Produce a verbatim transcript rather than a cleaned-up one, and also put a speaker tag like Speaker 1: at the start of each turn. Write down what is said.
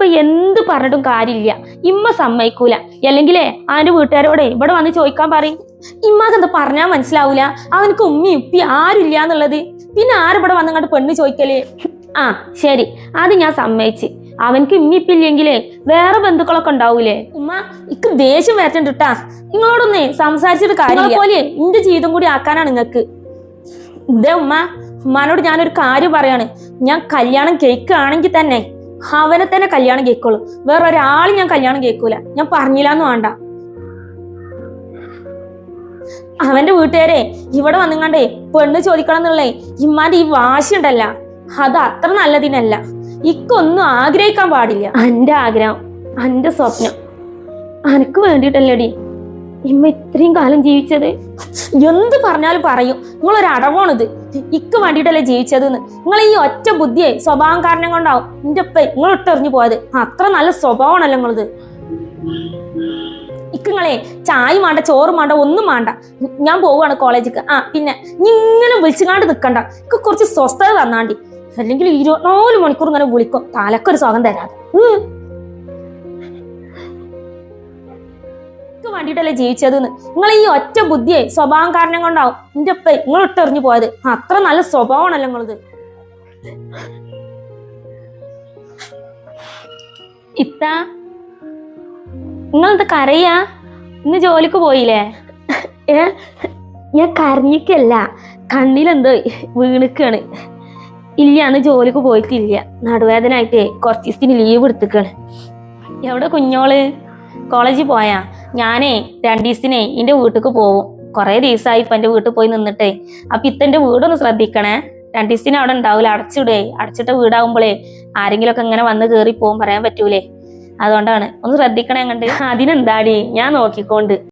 Speaker 1: എന്ത് പറഞ്ഞിട്ടും കാര്യമില്ല. ഇമ്മ സമ്മതിക്കൂല. അല്ലെങ്കിലേ അവന്റെ വീട്ടുകാരോടെ ഇവിടെ വന്ന് ചോദിക്കാൻ പറയും. ഇമ്മാക്ക് എന്താ പറഞ്ഞാൽ മനസ്സിലാവൂല. അവനക്ക് ഉമ്മി ഉപ്പി ആരുമില്ല എന്നുള്ളത്. പിന്നെ ആരിവിടെ വന്നങ്ങോട്ട് പെണ്ണ് ചോദിക്കല്? ആ ശരി, അത് ഞാൻ സമ്മതിച്ച്. അവനക്ക് ഇമ്മിപ്പില്ലെങ്കിലേ വേറെ ബന്ധുക്കളൊക്കെ ഉണ്ടാവൂലേ? ഉമ്മ ഇക്ക് ദേഷ്യം വരട്ടിട്ടാ. നിങ്ങളോടൊന്നേ സംസാരിച്ചിട്ട് കാര്യം പോലെ എന്റെ ജീവിതം കൂടി ആക്കാനാണ് നിങ്ങക്ക്. ഇതേ ഉമ്മ, ഉമ്മാനോട് ഞാനൊരു കാര്യം പറയാണ്. ഞാൻ കല്യാണം കേൾക്കുകയാണെങ്കിൽ തന്നെ അവനെ തന്നെ കല്യാണം കേൾക്കുള്ളൂ. വേറെ ഒരാളും ഞാൻ കല്യാണം കേൾക്കൂല. ഞാൻ പറഞ്ഞില്ലാന്ന് വേണ്ട. അവന്റെ വീട്ടുകാരെ ഇവിടെ വന്നുങ്ങാണ്ടേ പെണ്ണ് ചോദിക്കണം എന്നുള്ളേ ഇമ്മാന്റെ ഈ വാശി ഉണ്ടല്ല, അത് അത്ര നല്ലതിനല്ല. ഇക്കൊന്നും ആഗ്രഹിക്കാൻ പാടില്ല. എന്റെ ആഗ്രഹം, എന്റെ സ്വപ്നം അനക്ക് വേണ്ടിയിട്ടല്ലേടി ഇമ്മ ഇത്രയും കാലം ജീവിച്ചത്. എന്ത് പറഞ്ഞാലും പറയും നിങ്ങളൊരു അടവാണിത്. ഇക്ക് വേണ്ടിയിട്ടല്ലേ ജീവിച്ചത് എന്ന്. നിങ്ങൾ ഈ ഒറ്റ ബുദ്ധിയെ സ്വഭാവം കാരണം കൊണ്ടാവും എന്റെ ഉപ്പ നിങ്ങൾ ഇട്ടെറിഞ്ഞു പോയത്. അത്ര നല്ല സ്വഭാവമാണല്ലോ നിങ്ങളത്. ഇക്കങ്ങളെ ചായ വേണ്ട, ചോറ് വേണ്ട, ഒന്നും വേണ്ട. ഞാൻ പോവുകയാണ് കോളേജിക്ക്. ആ പിന്നെ ഇങ്ങനെ വിളിച്ചുകാണ്ട് നിക്കണ്ട. ഇക്ക് കുറച്ച് സ്വസ്ഥത തന്നാണ്ടി. അല്ലെങ്കിൽ ഇരുപത്തിനാല് മണിക്കൂർ ഇങ്ങനെ വിളിക്കും, തലക്കൊരു സുഖം തരാതെ. ഇക്ക് വേണ്ടിയിട്ടല്ലേ ജീവിച്ചത് എന്ന്. നിങ്ങൾ ഈ ഒറ്റ ബുദ്ധിയെ സ്വഭാവം കാരണം കൊണ്ടാവും എന്റെ ഉപ്പ നിങ്ങൾ ഇട്ടെറിഞ്ഞു പോയത്. അത്ര നല്ല സ്വഭാവമാണല്ലോ നിങ്ങളത്. ഇത്ത നിങ്ങളത് കരയാ? ഇന്ന് ജോലിക്ക് പോയില്ലേ? ഏ ഞാൻ കരഞ്ഞിക്കല്ല, കണ്ണിലെന്തോ വീണിക്കാണ്. ഇല്ല, അന്ന് ജോലിക്ക് പോയിട്ടില്ല. നടുവേദന ആയിട്ടേ കുറച്ച് ദിവസത്തിന് ലീവ് എടുത്തിക്കാണ്. എവിടെ കുഞ്ഞോള്? കോളേജിൽ പോയാ? ഞാനേ രണ്ടു ദിവസത്തിനേ എന്റെ വീട്ടിക്ക് പോവും. കുറെ ദിവസമായി ഇപ്പൊ എന്റെ വീട്ടിൽ പോയി നിന്നിട്ടേ. അപ്പൊ ഇത്തന്റെ വീടൊന്ന് ശ്രദ്ധിക്കണേ. രണ്ടു ദിവസത്തിന് അവിടെ ഉണ്ടാവൂല, അടച്ചിടേ. അടച്ചിട്ട വീടാകുമ്പോഴേ ആരെങ്കിലും ഒക്കെ ഇങ്ങനെ വന്ന് കേറി പോകും, പറയാൻ പറ്റൂലേ. അതുകൊണ്ടാണ് ഒന്ന് ശ്രദ്ധിക്കണേ. കണ്ട് അതിനെന്താടി, ഞാൻ നോക്കിക്കൊണ്ട്.